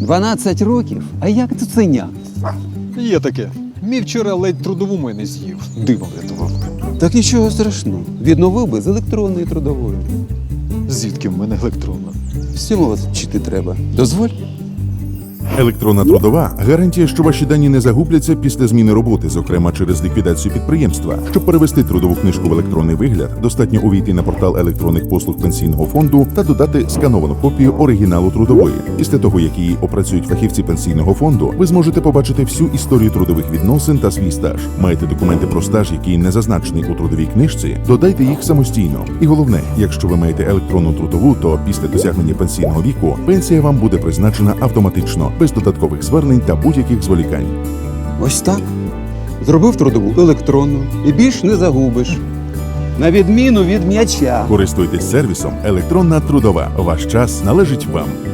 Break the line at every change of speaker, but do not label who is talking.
12 років? А як цуценя?
Є таке. Мій вчора ледь трудову мене з'їв. Диво врятував.
Так нічого страшного. Відновив би з електронної трудової.
Звідки в мене електронна?
Всьому вас вчити треба. Дозволь?
Електронна трудова гарантія, що ваші дані не загубляться після зміни роботи, зокрема через ліквідацію підприємства. Щоб перевести трудову книжку в електронний вигляд, достатньо увійти на портал електронних послуг пенсійного фонду та додати скановану копію оригіналу трудової. Після того, як її опрацюють фахівці пенсійного фонду, ви зможете побачити всю історію трудових відносин та свій стаж. Маєте документи про стаж, який не зазначений у трудовій книжці, додайте їх самостійно. І головне, якщо ви маєте електронну трудову, то після досягнення пенсійного віку пенсія вам буде призначена автоматично, без додаткових звернень та будь-яких зволікань.
Ось так. Зробив трудову електронну і більш не загубиш. На відміну від м'яча.
Користуйтесь сервісом «Електронна трудова». Ваш час належить вам.